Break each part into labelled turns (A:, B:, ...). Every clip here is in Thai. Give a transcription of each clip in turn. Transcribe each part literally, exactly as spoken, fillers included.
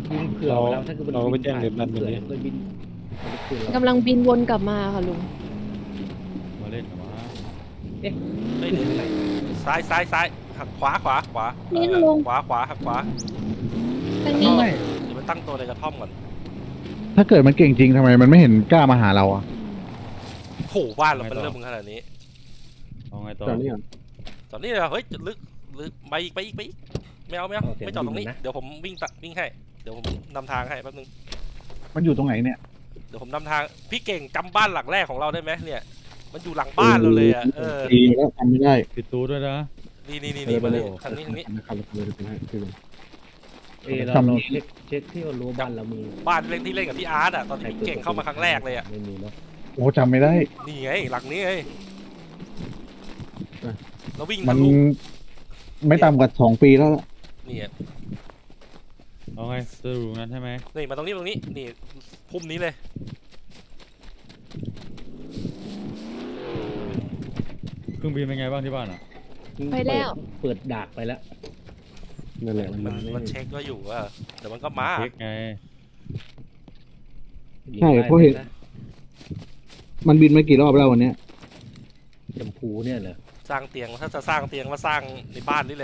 A: ยิงเผื่อแล้วถ้าเกิดมัน
B: เราก็ไปแจ้ง
A: บิน
B: เด็ดนั่น
A: เผื่อ
B: แบบนี้
A: มันบินมันจะขึ้นเรา
C: กำลังบินวนกลับมาค่ะลุง
D: มาเล่นกับมา
A: เอ๊ะ
E: เฮ้ย
A: ขึ้นทางไหน
E: ซ้ายซ้ายซ้ายหักขวาขวาขวา
C: นี่
E: เออ
C: ลุง
E: ขวาขวาหักขวา
C: ทางนี้
F: ไม่
E: เดี๋ยวมันตั้งตัวในกระท่อมก่อน
F: ถ้าเกิดมันเก่งจริงทำไมมันไม่เห็นกล้ามาหาเราอ่ะ
E: โหบ้านเราเป็นเรื่องมึงขนาดนี้
D: เอาไงต่อ
B: ตอนนี้ก่อน
E: ตอนนี้เลยเฮ้ยลึกลึกไปอีกไปอีกไปอีกไม่เอาไม่เอาไม่จอดตรงนี้เดี๋ยวผมวิ่งตัดวิ่งให้เดี๋ยวผมนำทางให้แป๊บนึง
F: มันอยู่ตรงไหนเนี่ย
E: เดี๋ยวผมนำทางพี่เก่งจำบ้านหลังแรกของเราได้ไหมเนี่ย มันอยู่หลังบ้านเราเลยอ่ะเออ
F: ดีแล้วทำไม่ได้
D: ปิดตูด้วยนะ
E: นี่นี่นี่นี่มาเลยทางนี้ทางนี้
B: นะครับเราเลยไปให้คือ
A: เอะเราเราเช็คเช็คที่ว่ารั้วบ้านเรามี
E: บ้านเล่นที่เล่นกับพี่อาร์ตอ่ะตอนที่พี่เก่งเข้ามาครั้งแรกเลยอ่ะ
A: ไม่มีเนาะ
F: โอ้จำไม่ได้
E: นี่ไงหลังนี้ไงเราวิ่ง
F: มั
E: ทะ
F: น
E: ลุ
F: ไม่ต่ำกว่าสองปีแล้วล่ะ
E: นี่อ่ะ
D: เอาไงจะดูนั้นใช่ไหม
E: นี่มาตรงนี้ตรงนี้นี่พุ่มนี้เลย
D: เครื่องบินเป็นไงบ้างที่บ้านอ่ะ
C: ไปแล้ว
A: เปิดดากไปแล้ว
B: นั่นแหละ
E: มันมันเช็คก็อยู่ว่าเดี๋ยวมันก็มา
D: เช็คไง
F: ใช่เพราะเห็นมันบินมากี่รอบแล้ววันเนี้ย
A: ชมพูเนี่ยเหรอ
E: สร้างเตียงถ้าจะสร้างเตียงมาสร้างในบ้านนี่เลย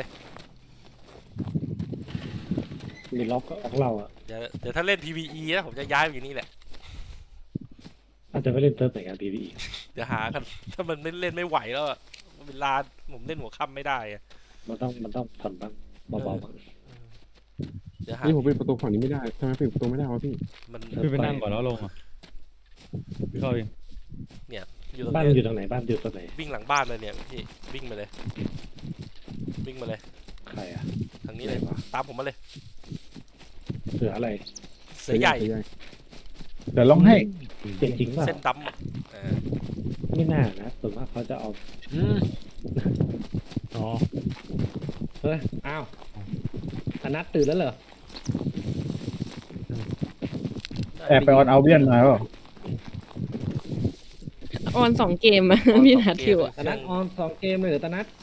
A: มีล็อกของเราอ่ะ
E: เดี๋ยวเดี๋ยวถ้าเล่น พี วี อี นะผมจะย้ายไปอยู่นี่แหละ
A: อาจจะไม่เล่นเติร์ฟไหนกันพีพี
E: เดี๋ยวหากันถ้ามันไม่เล่นไม่ไหวแล้วอะเวลาผมเล่นหัวค่ำไม่ได้อะ
A: มันต้องมันต้องผ่อนบ้างเบาๆบ้าง
E: เดี๋ยวหา
B: นี่ผมปิดประตูฝั่งนี้ไม่ได้ทำไมปิดประตูไม่ได้วะพี่
E: มัน
D: พี่ไปนั่งก่อนแล้วลงอ่ะพี่เข้าเอง
E: อยู่ตรง
A: บ้าน
E: นี้
A: อยู่ตรงไหนบ้านอยู่ตรงไหน
E: วิ่งหลังบ้านเลยเนี่ยพี่วิ่งมาเลย วิ่งมาเลย
A: ใครอ่ะ
E: ทางนี้เลยตามผมมาเลย
A: เสืออะไร
E: เสือใหญ่
F: เดี๋ยวลองให้
A: เจ๋งจริงป่ะ
E: เส้นดำอะเออ
A: ไม่น่านะส่วนมากเขาจะเอา
B: อ๋อ
A: เฮ้ยอ้าวอนัทตื่นแล้วเหรอ
F: แอบไปออนเอาเวียนมาเปล่า
C: ออนสองเกมอะพี่นัทอยู่อะ
A: ตนัทออนสองเกมเลยเหรอตนัท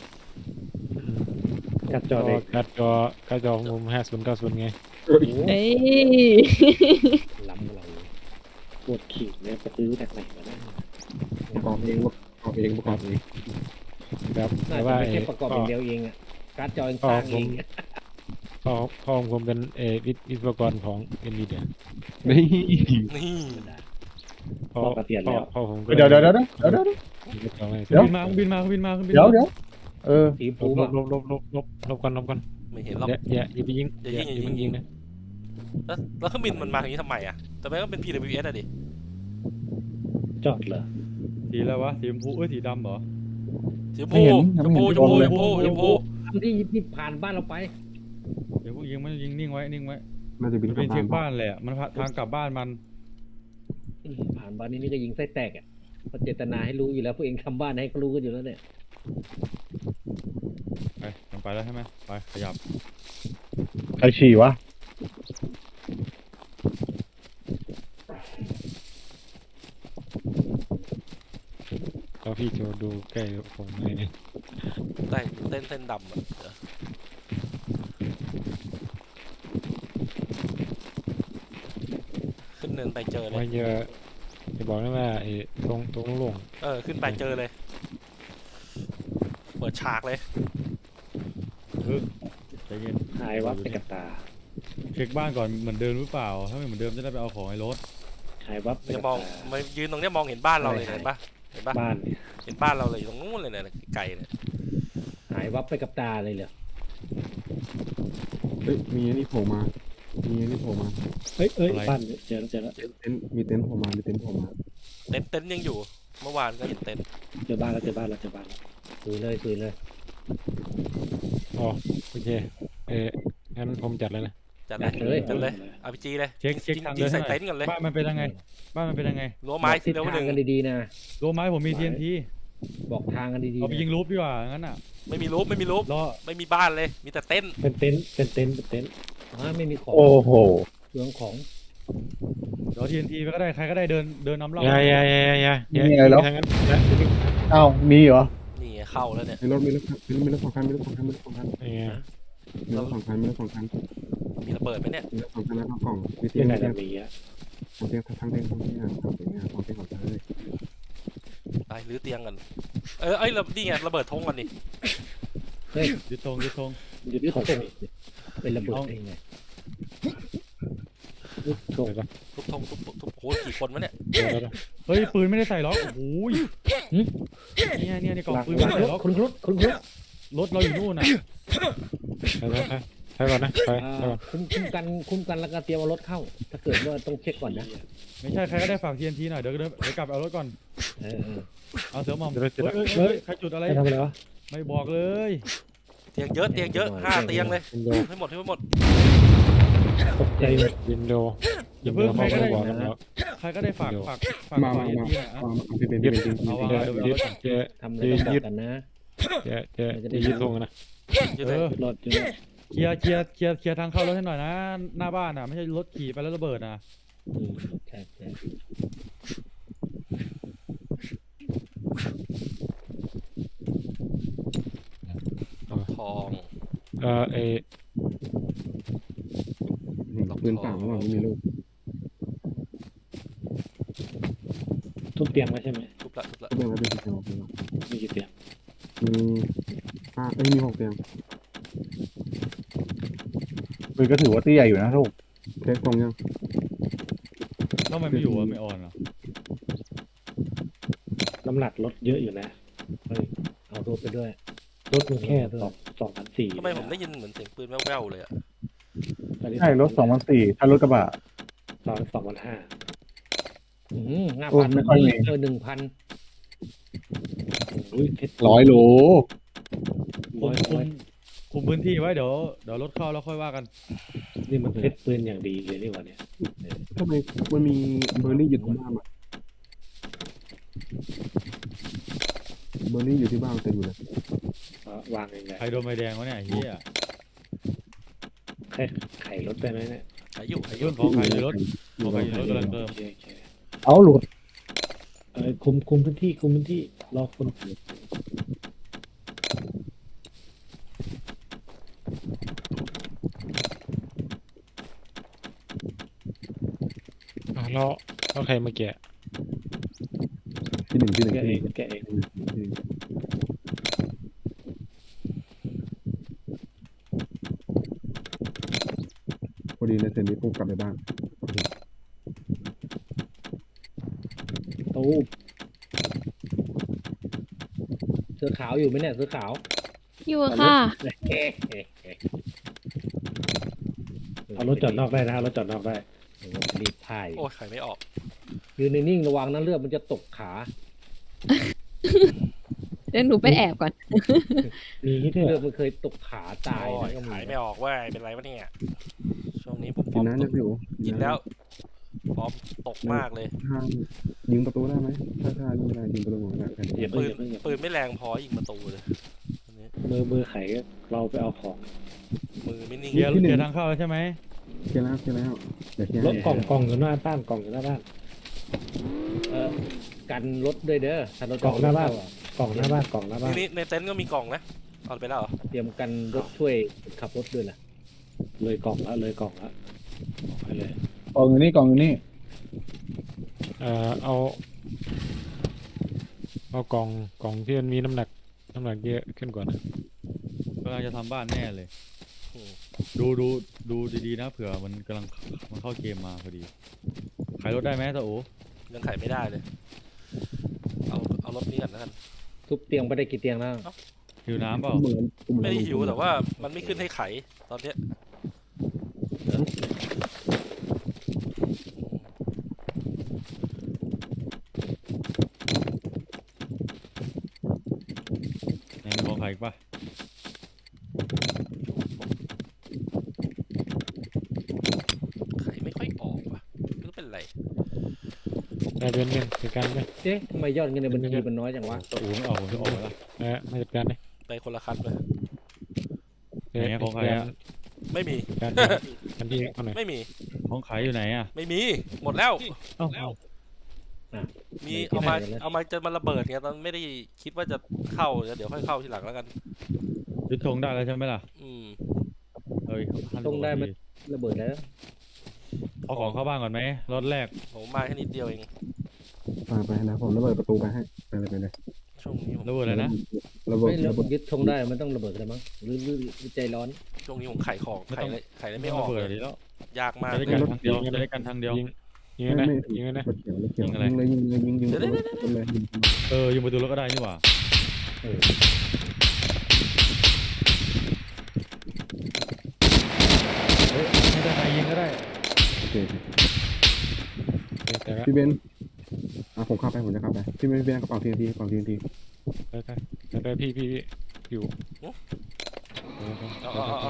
A: กัดจอ
B: จอ
A: เด็ก
B: การ์ดจอการ์ดจอของผมห้าศูนย์เก้าศูนย์ไง
A: โอ้โห
C: เอ้ย
A: ล้ำเราปวดขิงเนี่ยไปซื้อจากไหนมาได้
B: ประกอบเองประกอบเองประกอบเองครับ
A: น่า
B: แต่
A: จะ
B: ว่า
A: ไม่
B: ไอ้
A: ใช่ประกอบอย่างเดียวเองอ่ะการ์ดจอเองสร้างเอง
B: พ่อพ่อของผมเป็นเออวิศวกรของเอ็นวีเดีย
F: นี่
E: นี่
B: พ่อพ่อพ่อผมก็
F: เดี๋ยวเดี๋ยวเดี๋ยวเดี๋ยวเดี๋ยว
D: เครื่องบินมาเครื่องบินมาเครื่องบินมาเครื่องบิน
F: เดี๋ยว
D: มา
F: เดี๋ยวเออ
A: สี
B: ล
A: ฟู
B: บ
A: อ่ะ
B: ลบลบลบลบลบกันลบกัน
E: ไม่เห็นหรอก
B: อย่าอย่าอย่าไปยิง
E: อย่ายิง
B: อย่า
E: อย่ายิง
B: ยิงนะ
E: แล้วแล้วเครื่องบินมันมาอย่างนี้ทำไมอะแต่ไม่ก็เป็น พี ดับเบิลยู เอส อะดิ
A: จอดเหรอ
D: สีอะไรวะสีชมพูเอ้ยสีดำเหรอ
E: ชมพูชมพูชมพูชมพูชมพู
A: ทำที่ที่ผ่านบ้านเราไป
D: เดี๋ยวพวกยิงมันยิงนิ่งไว้นิ่งไว้
B: น่าจะบิ
D: มัน น
B: กลั
D: เป็
B: บ
D: นเช็ค
B: บ้า
D: บ้าน นแหละมันทางกลับบ้านมัน
A: ผ่านบ้านนี้นี่ก็ยิงไส้แตกอ่ะเพราะเจตนาให้รู้อยู่แล้วพวกเองทำบ้านให้เขารู้กันอยู่แล้วเนี่ย
D: ไปมันไปแล้วใช่ไหมไปขยับ
F: ใครฉี่วะ
B: ก็พี่จะดูใกล้ผมเลยเนี่ย
E: ได้เส้นเส้นดำอะเดี๋ยวขึ้นเนินไปเจอเล
B: ว่าย เยอะจะบอกนะว่าไอ้ตรงตรงลง
E: เออขึ้นไปเจอเลย เปิดฉากเลย
D: ใจเย็น
A: หายวับไปกับตา
D: เช็คบ้านก่อนเหมือนเดิมหรือเปล่าถ้าไม่เหมือนเดิมจะได้ไปเอาของในรถ
A: หายวับไป
E: จะ
A: กับ
E: มอง
A: ตา
E: มายืนตรงเนี้ยมองเห็นบ้านเราเลยเห็นปะเห็นปะ
A: บ้านเนี่ย
E: เห็นบ้านเราเลยอยู่ตรงนู้นเลยเนี่ยไกลเลย
A: หายวับไปกับตาเลยเหรอ
B: เฮ้ยมีอันนี้โผล่มามีอันนี้โผล่มา
A: เฮ้ยเอ้ยบ้านเจอแล้วเจอแล้ว
B: เต็นท์มีเต็นท์โผล่มามีเต็นท์โผล่มา
E: เต็นท์เต็นท์ยังอยู่ เมื่อวานก็เห็นเต็นท์
A: เจอบ้านแล้วเจอบ้านแล้วเจอบ้านแล้วคุยเลยคุยเลย
B: อ๋อโอเคเอองั้นผมจัดเลยนะ
E: จัดเลยจัดเลยอาร์พีจีเลย
D: เช็คเช็ค
E: ยิง
D: ทาง
E: ยิ
D: เดิ
E: ง
D: น
E: ใส่
D: ให้หน่
E: เต็
D: อย
E: นท์ก่อนเลย
D: บ้านมันเป็นยังไงบ้านมันเป็นยังไง
E: รั้วไม้
A: บอกทิศ
E: เร็ว
A: ทาง
E: หนึ่ง
A: กันดีๆนะ
D: รู้ไหมผมมี ที เอ็น ที
A: บอกทางกันดีๆ
D: เอาไป
A: นะ
D: ยิงรูปดีกว่างั้นอ่ะ
E: ไม่มีรูปไม่มีรูป
D: รอ
E: ไม่มีบ้านเลย มีแต่เต็นท์
A: เป็นเต็นท์เป็นเต็นท์เป็นเต็นท์อ๋อไม่มีของ
F: โอ้โห
A: เรื่องของ
D: เดี๋ยว ที เอ็น ที ไปก็ได้ใครก็ได้เดินเดินนำเรา
B: อย่าอย่าอย่าอย่าอย่า
F: มีอะไรเหรอ
B: ทางนั้นอย่า
F: เอ้ามีเหรอ
E: นี่ไงเข้าแล้วเนี่ย
B: มีรถมีรถมีรถมีรถสองคันมีรถสองคันมีรถสองคัน
E: ฮะ
B: มีรถสองคันมีรถสองคัน
E: มีระเบิดไหมเนี่ย
F: ทำแล้วกล่องมีเตีย
B: ที่
F: ง
B: ไหน
F: มีเตีย
B: จะ
F: ง
B: มีอ่ะ
F: ทำเตียงทั้งเตียงทั้งเตียงทำเตียงทำเตียงก่อนเลย
E: ไปรื้อเตียงกันเออไอ้ยระนี่ไงระเบิดธงกันดิ
A: เฮ้ย
D: ยึดธงยึดธง
B: อยู่ที่ของ
A: เป็นระเบิดเองไง
B: โชคปะ
E: ทุบธงทุบทุบโอ้ยกี่คนวะเนี่ย
B: เดี๋ยวแล้ว
D: เฮ้ยปืนไม่ได้ใส่ล็อกโอ้โหเนี่ยเนี่ยในกล่องปืนไม่ได้ใส่ล็อก
A: คุณครุฑคุณครุฑ
D: รถเราอยู่นู่นน่ะ
B: ไปไปไปไปก่อนนะไป
A: อ่า
B: ไปก่อน
A: คุ้มคุ้มกันคุ้มกันแล้วก็เตรียมเอารถเข้า ถ้าเกิดว่าต้องเช็คก่อนนะ
D: ไม่ใช่ใครก็ได้ฝาก ที เอ็น ที หน่อยเดี๋ยวเดี๋ยวเดี๋ยวกลับไปเอารถก่อน
A: เออเออ
D: เอาเสือหมอม
B: เดี๋ยวเราจะ
D: เฮ้ยเฮ้ยเฮ้ยใครจุดอะไร
B: ไปทำอะไรวะ
D: ไม่บอกเลย
E: เตียงเยอะเตียงเยอะห้าเตียงเลย
B: วินโด
E: ให้หมดให้หมด
B: ตกใจวินโด
D: อย่าเพิ่งใครก็ได้
B: บอกแล้ว
D: ใครก็ได้ฝากฝากฝาก
F: มา
D: ฝาก
F: มา
D: ที
F: มา
D: หน่อยอะ
F: มามาพี่เป็นพี่เป็นจริง
D: เอาวาง
B: เจ๊
D: เดี๋ยวเดี๋ยว
B: เจ๊
A: ทำอะไรต้องบอกกันนะ
B: เจ๊เจ๊เจ๊ยึดทงนะ
E: เยอะ
D: เอ
E: เลย
D: อ
A: รถอยู่นะ
D: เคลียร์เคลียร์เคลียร์เคลียร์ทางเข้ารถให้หน่อยนะ หน้าบ้านอ่ะไม่ใช่รถขี่ไปแล้วระเบิดนะ
A: อืมใช่ใช่
E: ทอง
B: เออเอ
F: ปืนเปล่าระหว่างไม่มีลูก
B: ทุบเตียงไว้ใช่ไหม
E: ทุบละทุบละ
F: เตียงแล้วเป็นเตียงเป็น
B: มีกี่เตียง
F: มีห้าเอ้ยมีหกเตียง
G: ปืนก็ถือว่าตีใหญ่อยู่นะลูก
F: เช็คตรงยัง
D: ทำไมไม่อยู่อ่ะไม่ออนเหรอ
B: น้ำหนักลดเยอะอยู่นะ
A: เอารถไปด้วย
B: ลดมันแค่สองสองพันสี่
E: ทำไมผมได้ยินเหมือนเสียงปืนแว่วๆเลยอะ
G: ใช่รถสองพันสี่ถ้ารถกระบะ
B: สองสองพันห้า
A: อืมห้า
G: โอ้
A: พัน
G: ไม่ค่อยมี
A: เออหนึ่งพัน
B: อุ้ยเพชร
G: ร้อยโล
D: คุมคุมคุมพื้นที่ไว้เดี๋ยวเดี๋ยวรถเข้าแล้วค่อยว่ากัน
B: นี่มันเพชรปืนอย่างดีเลยนี่หว่าเนี่ย
F: ทำไมมันมีเบอร์รี่อยู่ที่บ้านอ่ะเบอร์รี่อยู่ที่บ้านเต็มอยู่เลย
B: วางยังไง
D: ใครโดนใบแดงวะเนี่ยไอ้เฮีย
B: ไข่ไข่ลดได้ไหมเนี่ย
E: ขายอยู่ขายอ
D: เรื่
E: ยู่
D: องของใครอยู่รถของใครอยู่รถกำลังเติม
B: โอเคโอเค
G: เอาหลุด
B: เออคุมคุมพื้นที่คุมพื้นที่รอคนอ่ะแล้วแล้วใครมาแกะ
F: ที่หนึ่งที่หนึ่ง
B: แกะ
F: ที่ห
B: เอ
F: นึ่
B: ง
F: ง
B: แกะเอง
F: ที่หนึ่งพอดีในเซนนี้ปุ๊บกลับไปบ้าน
A: ตู้เสื้อขาวอยู่ไหมเนี่ยเสื้อขาว
C: อยู่อะค่ะ
B: เอารถจอดนอกได้นะเอารถจอดนอกได้
A: โอ้โหรีบถ่าย
E: โอ้ยขายไม่ออก
A: ยืนนิ่งๆระวังนะเลือดมันจะตกขา
C: เดี๋ยวหนูไปแอบก่อน
B: มีที่ด้วย
A: เลือดมันเคยตกขาตาย
E: โอ้ย
A: นะก็มี
E: ขายไม่ออกเว่าเป็นไรวะเนี่ยช่วงนี้ผมฟ
F: กิ
E: อน ร์ม
F: น้ำ
E: ต
F: นะ
E: ก
F: พี่โอ
E: กินแล้วฟอร์มตกมากเลย
F: ถ้ายิงประตูได้ไหมถ้าถ้ายิงไม่ได้ยิงประตูของได้กัน
B: อย่า
E: ปื
B: เพิ่ง
E: น
B: อย่าเพิ่งอย่า
E: ปืนไม่แรงพอยิงประตูเลยอันนี้
B: มือมือไขเราไปเอาของ
E: มือไม่นิ่ง
D: เคลียร์เคลียร์ทางเข้าแล้วใช่ไหม
F: เคลียร์แล้วเคลียร์แล้วเดี๋ยวเคลียร์
B: รถกล่องกล่องอยู่หน้าบ้านกล่องอยู่หน้าบ้าน
A: เออกันรถด้วยเด้อถ้ารถ
B: กล่องหน้าบ้าน
A: เข้อะ
B: กล่องหน้าบ้านกล่องหน้าบ้าน
E: นี่ในเต็นท์ก็มีกล่องนะเอาไปแล้วเหรอ
A: เตรียมกันรถช่วยขับรถด้วยล่ะ
B: เลยกล่องแล้วเลยกล่องแล้วออกไปเลย
G: กล่องอยู่นี่กล่องอยู่นี่
B: เอ่อเอาเอากล่องกล่องที่มันมีน้ำหนักน้ำหนักเยอะขึ้นก่อนนะ
D: กำลังจะทำบ้านแน่เลย
E: อืม
D: ดูดูดูดีๆนะเผื่อมันกำลังมันเข้าเกมมาพอดีขายรถได้ไหมตาโอ
E: ยังขายไม่ได้เลย เอาเอารถนี้ก่อนแล้วกัน
A: ทุบเตียงไปได้กี่เตียงแล้ว
D: หิวน้ำเปล่า
F: เหมือน
E: ไม่ได้หิวแต่ว่ามันไม่ขึ้นให้ไขตอนเนี้ย
D: ไหนมีของขายอีกปะ
E: ไขไม่ค่อยออกว่ะไม่รู้เป็นไร
B: ได้เป็นเงินจัดการไหม
A: เอ๊ะทำไมยอดเงินในบัญชีมันน้อยจังวะ
D: ตาโอไม่ออกผมจะออกแล้ว
B: เออมาจัดการเลย
E: ไปคนละคันเลย
B: เดี๋ยว
D: ไหนของใครอะ
E: ไม่มี
B: จัดการกันที่เขาหน่อย
E: ไม่มี
D: ของขายอยู่ไหนอ่ะ
E: ไม่มี หมดแล้ว
B: เอ้าเอ้า
E: มีเอามาเอามาจะมาระเบิดไงตอนไม่ได้คิดว่าจะเข้าเดี๋ยวเดี๋ยวค่อยเข้าทีหลังแล้วกัน
D: ยึดธงได้แล้วใช่ไหมล่ะ
E: อืม
D: เฮ้ย
A: ธงได้ไหมระเบิดแล้ว
D: เอาของเข้าบ้านก่อนไหมรถแรก
E: ผมมาแค่นิดเดียวเอง
F: ไปไปนะผมระเบิดประตูไปให้ไปเลยไปเลย
E: ช่วงนี้ผม
D: ระเบิดอะไรนะ
F: ระเบิด
A: ไม่ระ
F: ระ
A: เบิ
F: เบิ
A: ด
F: ด
A: ยึดธงได้มันต้องระเบิดเลยมั้งหรือหรือหรือใจร้อน
E: ช่วงนี้ผมไขของ
D: ไม่
E: ไข
D: ต้อง
E: เลยไขเลย
D: ไม่
E: ไม่ออก
D: เปิด
E: เลย
D: ดีแล้ว
E: ยากมาก
D: จะได้กันทางเดียวจะได้กันทางเดียว
B: ยิงยิงเลยนะยิงเลยนะ
F: รถเขียวรถเขียว
D: ยิงอะไร
F: ยิงเลยยิงเลยยิงยิง
E: เดี๋ยว
F: รถรถเลยยิง
D: เออยิงประตูรถก็ได้นี่หว่า
A: เออ
D: เฮ้ยไม่ได้ใครยิงก็ได้
F: โอเค
B: แต่ละ
F: พี่เบนอ่ะผมเข้าไปผมจะเข้าไปพี่เบนพี่เบนกระเป๋าทีนทีกระเป๋าทีนที
B: ไปไปไปพี่พี่พี่อยู่
E: เอาเอาเอาเอา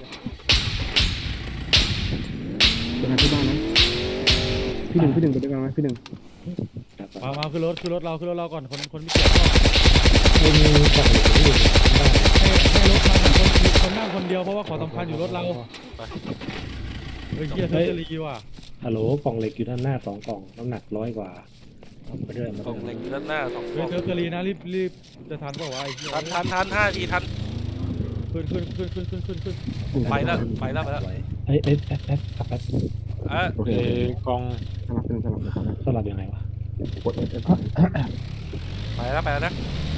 F: จะมาที่บ้านนะพี่หนึ่งพี่หนึ่งไปด้วยกันไหมพี่หนึ่ง
D: มามาขึ้นรถขึ้นรถเราขึ้นรถเราก่อนคนคนไม่เจ็บก็
B: ไม่มีฝั่งที่อยู่
D: ให้ให้รถมันอะคนมีคนนั่งคนเดียวเพราะว่าของสำคัญอยู่รถเราเฮ้ยเฮียเทอร์รีว่ะ
B: ฮัลโหลกล่องเหล็กอยู่ด้านหน้าสองกล่องน้ำหนักร้อยกว่า
A: เอาไปด้วยมาก
E: ล่องเหล็กอยู่ด้านหน้าสองก
D: เฮ้
E: ล่
D: ย
E: อง
D: เทอร์รีนะรีบรีบจะทันเปล่าวะไอ้เหี้ย
E: ทันทันทันห้าทีทัน
D: ขึ้นขึ้นขึ้นขึ้นขึ้นขึ้นขึ้น
E: ไปแล้วไปแล้วไปแล้ว
B: เอ้ยเอ้ยแอ๊บแอ๊บแอ๊บ
E: เอ่ะ
F: โอเค
B: เอ้กล่อง
F: สลับเป็นสลับนะครับ
B: สลับยังไงวะ
F: กดเอฟเอฟ
E: ไปแล้วไปแล้วนะ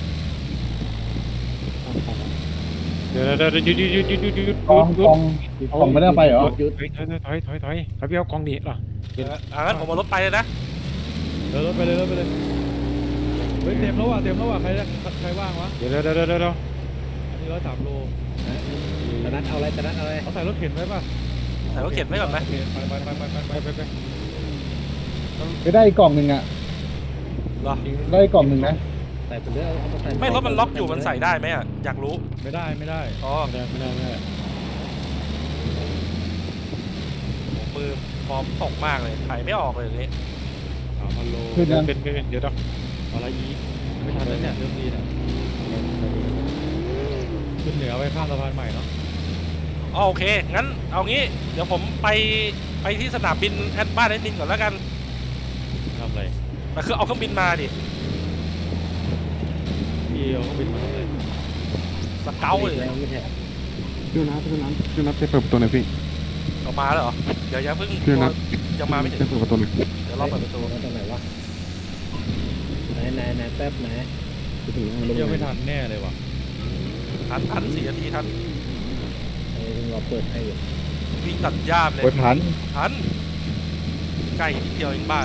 B: เดี๋ยวเดี๋ยวหยุดหยุดหยุดหยุดหยุดหยุด
G: กองกองกองไม่ได้เอาไปเหรอ
A: หยุด
B: ถอยถอยถอยถอยถอยถอยพี่เอากล่องนี้เหรอ
E: เอออ่ะงั้นผมเอารถไปเลยนะ
D: เดินรถไปเลยรถไปเลยเฮ้ยเต็มแล้วว่ะเต็มแล้วว่ะใครใครว่างวะ
B: เดี๋ยวเดี๋ยวเดี๋ยวเดี๋ยว
D: อันนี้ร้อยสามโล
A: ตะนัดเอาอะไรตะนัดเอาอะไร
D: เขาใส่รถเข็นไว้ป่ะ
E: ใส่รถเข็นไว้ก่อนไหม
D: โอเคไปไปไปไปไปไปไปไป
G: ไปได้อีกกล่องหนึ่งอ่ะ
E: เหรอ
G: ได้อีกกล่องหนึ่งนะ
A: ใส่ไปเรื่อยเอามาใส่
E: ไม่รถมันล็อกอยู่มันใส่ได้ไหมอ่ะอยากรู้
D: ไม่ได้ไม่ได้
E: อ๋อ
B: ไม่ได้ไม่ได้ไม่ได้
E: มือฟอร์มตกมากเลยไขไม่ออกเลยอย่างนี้
D: สามพันโล
G: ขึ้น
B: เดี๋ยว
G: นะ
B: เป็นเป็นเดี๋ยวต้อง
D: อะไรอีกไม่ทันแล้วเนี่ยเริ่มดีเนี่ยขึ้นเหนือไปข้ามสะพานใหม่เนาะ
E: อ๋อโอเคงั้นเอางี้เดี๋ยวผมไปไปที่สนามบินแอดบ้านแอดมินก่อนแล้วกัน
D: ทำอะไร
E: แต่คือเอาเครื่องบินมาดิ
D: พี่เอาเครื่องบินมาทำอะไร
E: สเกลเลย
A: แล้วไม่ใช่
F: พี่นัทพี่นัทพี่นัทไปเปิดประตูหน่อยพี่
E: เอามาแล้วเหรอเดี๋ยวอย่าเพิ่ง
F: พี่นัท
E: ยังมาไม่ถึง
F: ไปเปิดประตูหน่อย
E: เดี๋ยวรอเปิดประตู
A: มาตรงไหนวะไหนไหนไหนแป๊บไหน
F: ไปถึงแล้ว
D: ยังไม่ทันแน่เลยว่ะ
E: ทันทันสี่นาทีทัน
A: เออเราเปิดให้อยู่
E: วิ่งตัดหญ้าเลย
G: โอ้ยทัน
E: ทันใกล้นิดเดียวเองบ้าน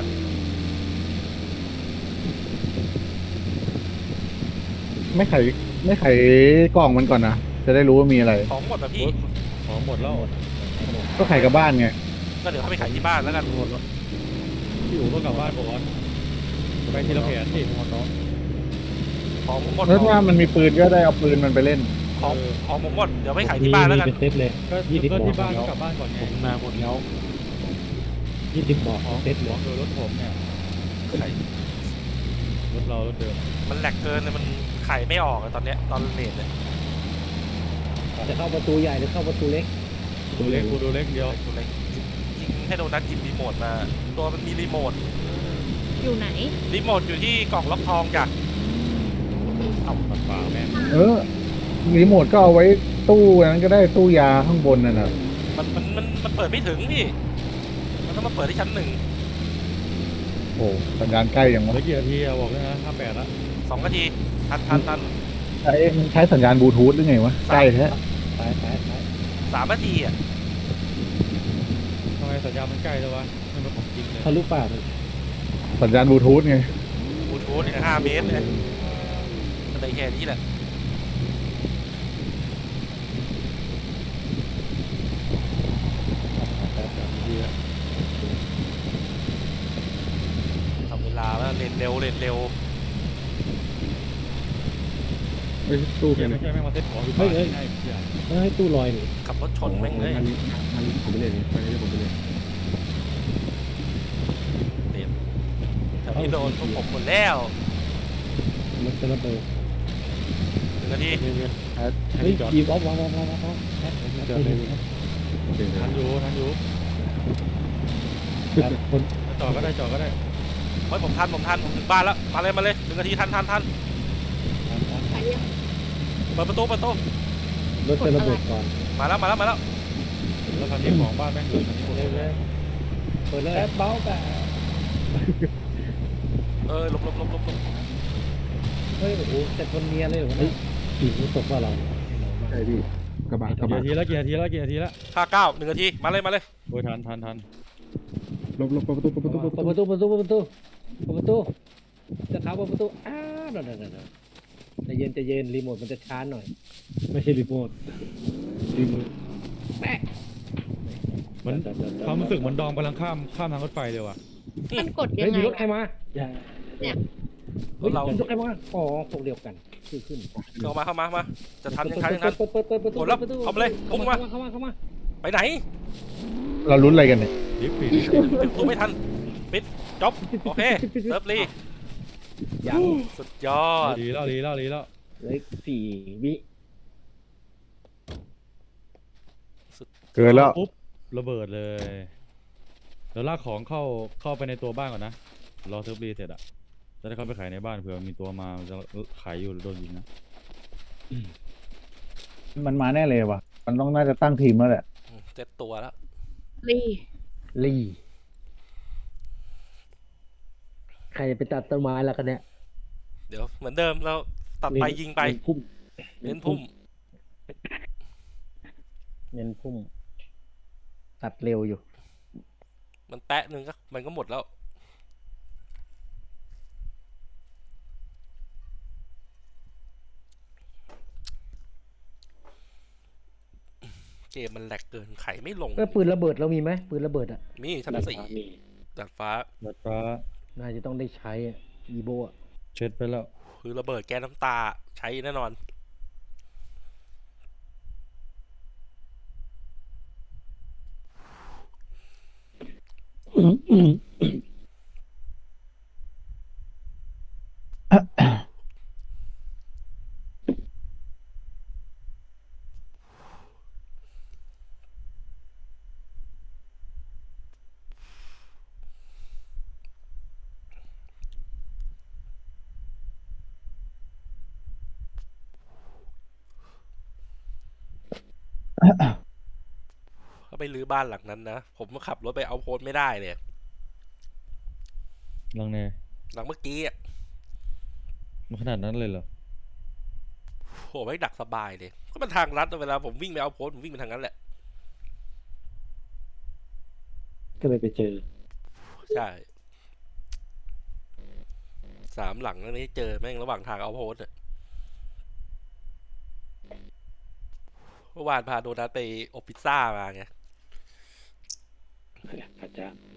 G: ไม่ไขไม่ไขกล่องมันก่อนนะจะได้รู้ว่ามีอะไร
E: ของหมดนะพี่
D: ของหมดแล้ว
G: ก็ไขกับบ้านไง
E: ก็เดี๋ยวเข้าไปขายที่บ้านแล้วกัน
D: พี่อู๋ก็กลับบ้านก่อนไปทีละแผนดิหมดเนาะ
E: ของผมหมด
G: แล้วถ้ามันมีปืนก็ได้เอาปืนมันไปเล่น
E: ของของผมหมดเดี๋ยวไปขายที่บ้านแล้วกัน
B: เป็นเซตเลย
D: ก็
B: ยี่สิบ
D: ก็
B: บอก
D: ที่บ้าน
B: แล้ว
D: ก็กลับบ้านก่อนไง
B: ผมมาหมดแล้วยี่สิบบอกเซต
D: ห
B: เล
D: ลวย งโดยรถผมเนี่ย
E: ขาย
D: รถเรารถเดิม
E: มันแหลกเกินเลยมันขายไม่ออกอะตอนเนี้ยตอนเลทเลย
A: จะเข้าประตูใหญ่หรือเข้าประตูเล็ก
D: ตัวเล็กกูตัวเล็กเดียว
E: ตัวเล็กยิงให้โดนัทยิงรีโมทมาตัวมันมีรีโมท
C: อยู่ไหน
E: รีโมทอยู่ที่กล่องล็อกทองจ้ะ
D: เอาปัดป่าแม่ง
G: เออรีโมทก็เอาไว้ตู้นั้นก็ได้ตู้ยาข้างบนนั่นน่ะ
E: มันมันมันมันเปิดไม่ถึงพี่มันต้องมาเปิดที่ชั้นหนึ่ง
G: โอ้สัญญาณใกล้ยัง
D: เห
G: วะ
D: ลือกี่นาทีอะบอกเลยนะห้าแปดละ
E: สองนาทีทันทันทัน
G: ใช้ใช้สัญญาณบลูทูธหรือไงวะใกล้แท้
A: ไปไปไป
E: สามนาทีอ่ะ
D: ทำไมสัญญาณมันใกล้เลยวะไม่เป็นของจริงเลย
A: ทะลุป่าเลย
G: สัญญาณบลูทูธไง
E: บลูทูธเนี่ยห้าเมตรเนี่ยมันได้แค่นี้แหละทำเวลาแล้วเล่นเร็วเล่นเร็ว
F: ไอ้ตู้
D: เฮี
F: เป็
D: ย
F: น
D: ไม่ใช่แม่งมาเซ็ตของอยู่บ้านให้เหี้ย
A: เฮ้ยตู้ลอยนี่
E: ขับรถชนแม่งเลย
F: มันมันผมไปเลยไปเลยผมไปเลย
E: แถวนี้โดนพวกผมหมดแล้ว
A: รถจะระเบิด
E: หนึ่งนาที
B: เงินเงินแอด
A: เฮ้ย
B: จอด
A: ยีบอฟวางวางวางวางวางแอด
B: จอดเลย
D: ทันอยู่ทันอยู่
A: คน
D: จอดก็ได้จอดก็ได้
E: เฮ้ยผมทันผมทันผมถึงบ้านแล้วมาเลยมาเลยหนึ่งนาทีทันทันทันเปิดประตูเปิดประตู
A: รถจะระเบิดก่อน
E: มาแล้วมาแล้วมาแล้ว
A: ร
D: แล้วคันนี้ของบ้านแม่งอยู่คันนี้หมด
A: เลยเลยเปิดเลย
F: แอปเบ้าแต่
E: เออหลบหลบหลบหลบหลบ
A: เฮ้ยโอ้โหแต่คนเนียเลยเหรอวะเนี่ยผีรู้ตกว่าเรา
F: ใช่พี่กระบะกระ
D: กี่
F: บะ
D: นาทีแล้วกี่นาทีแล้วกี่นาทีแล้ว
E: ห้าเก้าหนึ่งนาทีมาเลยมาเลย
D: โอ้ยทันทันทัน
F: หลบหลบเปิดประตูเปิดประตูเปิด
A: เปิ
F: ป
A: ด
F: ระ
A: ป
F: ตู
A: ระตูเปิดประตูเปิดประตูเปิดประตูจะเท้าเปิดประตูอ้าวเดี๋ยวเดี๋ยวเดี๋ยวใจเย็นใจเย็นรีโมทมันจะช้าหน่อย
F: ไม่ใช่รีโมทรีโมท
A: แป๊ะ
D: มันความรู้สึกเหมือนดอมกำลังข้ามข้ามทางรถไฟเลยว่ะ
C: มันกดยั
A: เฮ้ย
C: งไง
A: มีรถใคร
C: อะ
A: มา
F: อย่า
E: รถเรา
A: รถใครมาอ๋อพวกเดียวกันคือขึ้น
E: เข้ามาเข้ามามาจะทันยังทันยังทัน
A: เปิดเปิดเปิดเปิด
E: กดแล้วเอามาเลยพุ่งมา
A: เข้ามาเข้ามา
E: ไปไหน
G: เราลุ้นอะไรกันเนี่ย
D: ดิฟปี
E: ปิดประตูไม่ทันปิดจบโอเคเซิร์ฟรี
A: ยัง
E: สุดยอด
D: ดีแล้วดีแล้วดีแล้ว
A: เหลยสี่วิ
G: เกินแล้ว
D: ปุ๊บระเบิดเลยเดี๋ยวลากของเข้าเข้าไปในตัวบ้านก่อนนะรอเซิร์ฟรีเสร็จอะจะได้เข้าไปขายในบ้านเผื่อมีตัวมามันจะขายอยู่หรือโดนยิงนะ
G: มันมาแน่เลยว่ะ มันต้องน่าจะตั้งทีมแล้วแหละ
E: เจ็ดตัวแล้ว
C: รี
A: ลีใครจะไปตัดต้นไม้แล้วกันเนี่ย
E: เดี๋ยวเหมือนเดิมเราตัดไปยิงไป
A: พุ่ม
E: เน้นพุ่ม
A: เน้นพุ่มตัดเร็วอยู่
E: มันแตะหนึ่งก็มันก็หมดแล้วเกมมันแหลกเกินไขไม่ลง
A: เออปืนระเบิดเรามีไหมปืนระเบิดอ่ะ
E: มีชั้นสี่ดาดฟ้า
D: ดัดฟ้า
A: น่าจะต้องได้ใช้อ่ะอีโบอ่ะ
D: เช็ดไปแล้ว
E: คือระเบิดแก๊สน้ำตาใช้แน่นอนถ้าไปรื้อบ้านหลังนั้นนะผมขับรถไปเอาโพสไม่ได้เลย
D: ลังเน
E: หลังเมื่อกี้อ่ะ
D: มันขนาดนั้นเลยเหรอ
E: โหไม่ดักสบายเลยก็มันทางลัดเวลาผมวิ่งไปเอาโพสผมวิ่งไปทางนั้นแหละ
F: ก็เลยไปเจอ
E: ใช่สามหลังแล้วนี้เจอแม่งระหว่างทางเอาโพสเนี่ยเมื่อวานพาโดนัทไปอบพิซซ่ามาไง
F: พระเจ้า